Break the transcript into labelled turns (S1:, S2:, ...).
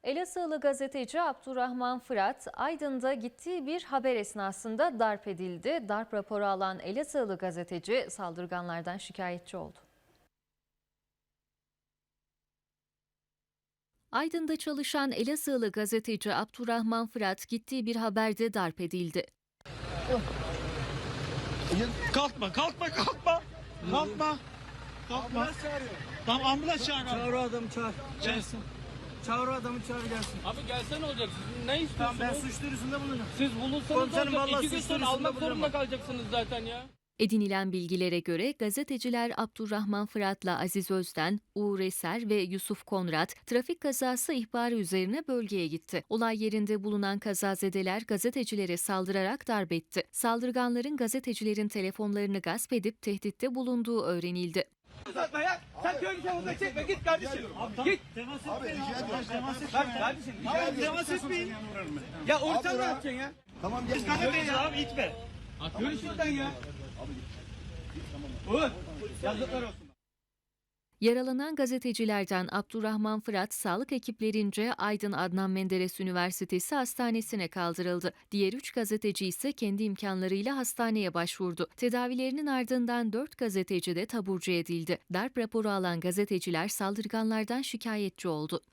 S1: Elazığlı gazeteci Abdurrahman Fırat, Aydın'da gittiği bir haber esnasında darp edildi. Darp raporu alan Elazığlı gazeteci saldırganlardan şikayetçi oldu. Aydın'da çalışan Elazığlı gazeteci Abdurrahman Fırat gittiği bir haberde darp edildi.
S2: Kalkma. Kalkma.
S3: Ambulans çağırıyor.
S2: Tamam ambulans çağır.
S3: Çağır o adamı çağır.
S2: Gelsin.
S3: Çağır o adamı çağır gelsin.
S4: Abi gelse ne olacak? Siz ne
S3: Tamam ben
S4: istiyorsunuz?
S3: suç duyurusunda bulunacağım.
S4: Siz bulunsanız
S3: Komiserim,
S4: ne olacak?
S3: vallahi
S4: 2 gün
S3: suç
S4: sonra
S3: duyurusunda
S4: almak zorunda
S3: bulunamam.
S4: kalacaksınız zaten ya.
S1: Edinilen bilgilere göre gazeteciler Abdurrahman Fırat'la Aziz Özden, Uğur Eser ve Yusuf Konrad trafik kazası ihbarı üzerine bölgeye gitti. Olay yerinde bulunan kazazedeler gazetecilere saldırarak darp etti. Saldırganların gazetecilerin telefonlarını gasp edip tehditte bulunduğu öğrenildi.
S3: Uzatma ya. Sen köylü çabukla çekme git kardeşim. Git.
S2: Temas etmeyin.
S3: Bak kardeşim.
S2: Abi temas etmeyin.
S3: Ya ortadan ne yapacaksın ya?
S5: Tamam gel.
S2: Kanepeyiz abi itme.
S3: Yürü şuradan ya. Uğur. Yazıklar olsun.
S1: Yaralanan gazetecilerden Abdurrahman Fırat, sağlık ekiplerince Aydın Adnan Menderes Üniversitesi Hastanesi'ne kaldırıldı. Diğer 3 gazeteci ise kendi imkanlarıyla hastaneye başvurdu. Tedavilerinin ardından 4 gazeteci de taburcu edildi. Darp raporu alan gazeteciler saldırganlardan şikayetçi oldu.